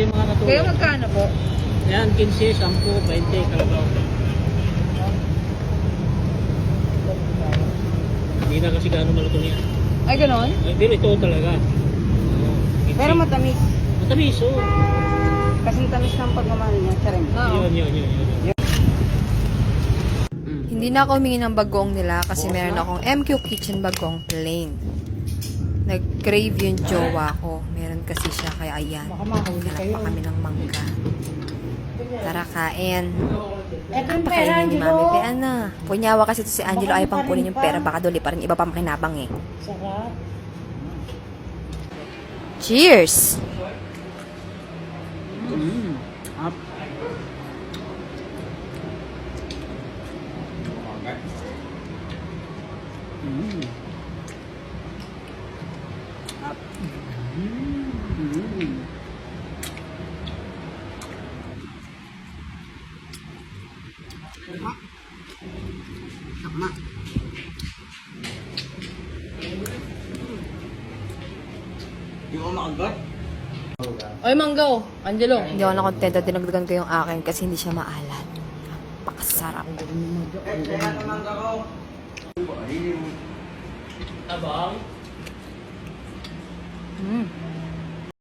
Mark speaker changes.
Speaker 1: yung mga katulad.
Speaker 2: Kaya magkano po?
Speaker 1: Yan, 15, 10, 20, kalabaw. Hindi na kasi gaano malutong yan.
Speaker 2: Ay, ganon?
Speaker 1: Ay, pero ito talaga. Oo, 15.
Speaker 2: Pero matamis.
Speaker 1: Matamis, oo.
Speaker 2: Kasing tamis ng pagmamahal niya. Charing.
Speaker 1: Yun.
Speaker 3: Hindi na ako humingi ng bagong nila kasi meron akong MQ Kitchen bagong plain. Nag-crave yung jowa ko. Meron kasi siya, kaya ayan. Hanap pa kami ng mangga. Tara, kain. Pakainin ni Mami. Pean na. Punyawa kasi to si Angelo, ayaw pang kunin yung pera. Baka duli pa rin iba pa makinabang eh.
Speaker 2: Sarap.
Speaker 3: Cheers!
Speaker 1: Up. Up. Tama. Hindi ko makagat.
Speaker 2: Ay, manggaw. Angelo.
Speaker 3: Hindi ako nakontento. Dinagdagan ko yung akin kasi hindi siya maalat. Napakasarap.
Speaker 1: Abang.